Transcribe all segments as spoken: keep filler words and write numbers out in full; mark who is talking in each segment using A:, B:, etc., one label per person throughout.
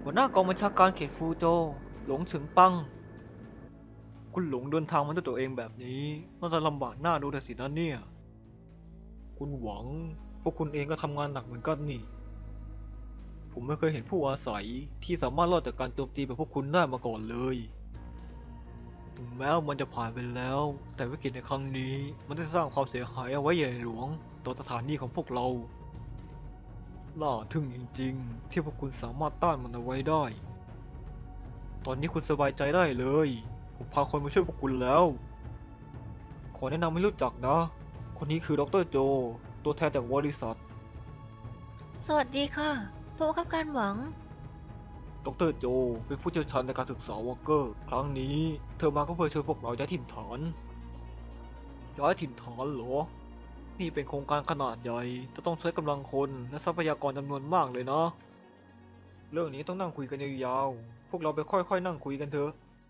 A: หัวหน้ากองบัญชาการเขตฟูโจวหลงฉึงปังคุณหลงเดินทางมาด้วยตัวเองแบบนี้น่าจะลำบากหน้าดูแต่สินะเนี่ยคุณหวังพวกคุณเองก็ทำงานหนักเหมือนกันนี่ผมไม่เคยเห็นผู้อาศัยที่สามารถรอดจากการโจมตีแบบพวกคุณได้มาก่อนเลยถึงแม้มันจะผ่านไปแล้วแต่วิกฤตในครั้งนี้มันได้สร้างความเสียหายเอาไว้ใหญ่หลวงต่อสถานีของพวกเราน่าทึ่งจริงๆที่พวกคุณสามารถต้านมันเอาไว้ได้ ตอนนี้คุณสบายใจได้เลย ผมพาคนมาช่วยพวกคุณแล้ว ขอแนะนำให้รู้จักนะ คนนี้คือดรโจ ตัวแทนจากบริษัท
B: สวัสดีค่ะผู้บังคับการหวัง
A: ดรโจเป็นผู้เชี่ยวชาญในการศึกษาวอลเกอร์ ครั้งนี้เธอมาก็เพื่อช่วยพวกเราย้ายถิ่นฐาน ย้ายถิ่นฐานเหรอ นี่เป็นโครงการขนาดใหญ่ จะต้องใช้กำลังคนและทรัพยากรจำนวนมากเลยนะ เรื่องนี้ต้องนั่งคุยกันยาวๆ พวกเราไปค่อยๆนั่งคุยกันเถอะ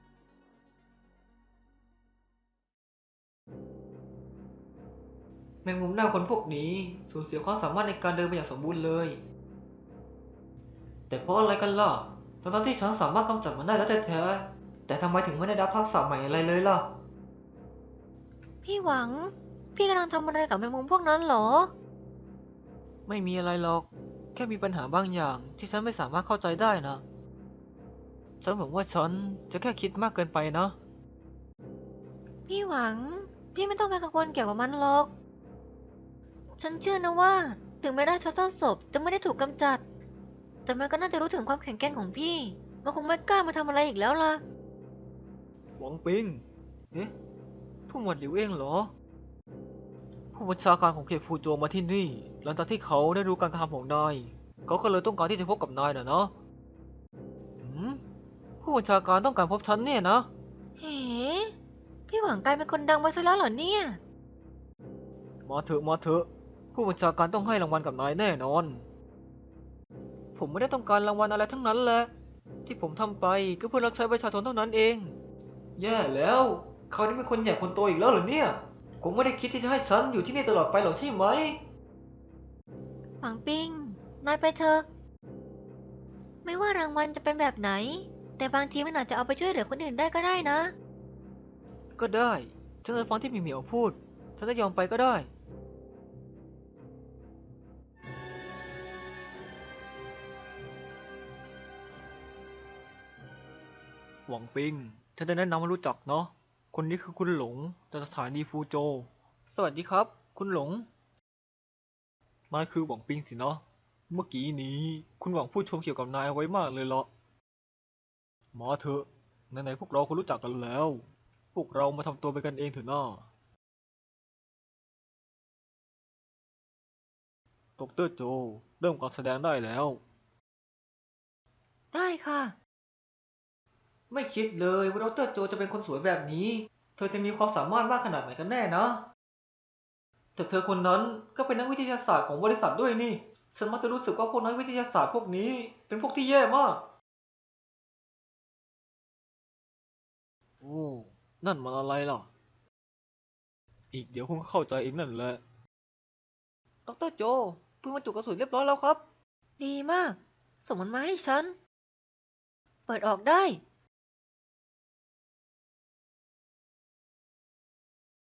A: แมงมุมหน้าคนพวกนี้สูญเสียความสามารถในการเดินไปอย่างสมบูรณ์เลย แต่เพราะอะไรกันล่ะทั้งๆที่ฉันสามารถกำจัดมันได้แล้วแท้ๆแต่ทำไมถึงไม่ได้รับทักษะใหม่อะไรเลยล่ะ
B: พี่หวัง พี่กำลังทำอะไรกับแมงมุมพวกนั้นเหรอ
A: ไม่มีอะไรหรอก แค่มีปัญหาบางอย่างที่ฉันไม่สามารถเข้าใจได้นะ ฉันหวังว่าฉันจะแค่คิดมากเกินไปนะ
B: พี่หวัง พี่ไม่ต้องไปกังวลเกี่ยวกับมันหรอก ฉันเชื่อนะว่า ถึงแม้ราชาศพจะไม่ได้ถูกกำจัด แต่มันก็น่าจะรู้ถึงความแข็งแกร่งของพี่ มันคงไม่กล้ามาทำอะไรอีกแล้วล่ะ
A: หวังปิง เอ๊ะ ผู้หมวดหลิวเองเหรอ ผู้บัญชาการของเขตฟูโจวมาที่นี่ หลังจากที่เขาได้รู้การกระทำของนาย เขาก็เลยต้องการที่จะพบกับนายน่ะเนาะหืมผู้บัญชาการต้องการพบฉันเนี่ยนะ
B: เฮ้ พี่หวังกลายเป็นคนดังไปซะแล้วเหรอเนี่ย
A: มาเถอะมาเถอะ ผู้บัญชาการต้องให้รางวัลกับนายแน่นอน ผมไม่ได้ต้องการรางวัลอะไรทั้งนั้นแหละ ที่ผมทำไปก็เพื่อรับใช้ประชาชนเท่านั้นเอง แย่แล้ว เขานี่เป็นคนใหญ่คนโตอีกแล้วเหรอเนี่ยผมไม่ได้คิดที่จะให้ฉันอยู่ที่นี่ตลอดไปหรอกใช่ไหม
B: หวังปิง นายไปเถอะ ไม่ว่ารางวัลจะเป็นแบบไหน แต่บางทีมันอาจจะเอาไปช่วยเหลือคนอื่นได้ก็ได้นะ
A: ก็ได้ ฉันจะฟังที่หมีเหมียวพูด ฉันจะยอมไปก็ได้ หวังปิง ฉันจะแนะนำให้รู้จักเนาะ คนนี้คือคุณหลงจากสถานีฟูโจวสวัสดีครับ คุณหลง นายคือหวังปิงสินะ เมื่อกี้นี้คุณหวังพูดชมเกี่ยวกับนายเอาไว้มากเลยละมาเถอะไหนๆพวกเราก็รู้จักกันแล้ว พวกเรามาทำตัวเป็นกันเองเถอะน้าดรโจเริ่มการแสดงได้แล้ว
B: ได้ค่ะ
A: ไม่คิดเลยว่าดรโจจะเป็นคนสวยแบบนี้ เธอจะมีความสามารถมากขนาดไหนกันแน่นะแต่เธอคนนั้นก็เป็นนักวิทยาศาสตร์ของบริษัทด้วยนี่ ฉันมักจะรู้สึกว่าพวกนักวิทยาศาสตร์พวกนี้เป็นพวกที่แย่มาก โอ้ นั่นมันอะไรล่ะ อีกเดี๋ยวคงเข้าใจเองนั่นแหละ ดรโจเพิ่งบรรจุกระสุนเรียบร้อยแล้วครับ
B: ดีมาก ส่งมันมาให้ฉัน เปิดออกได้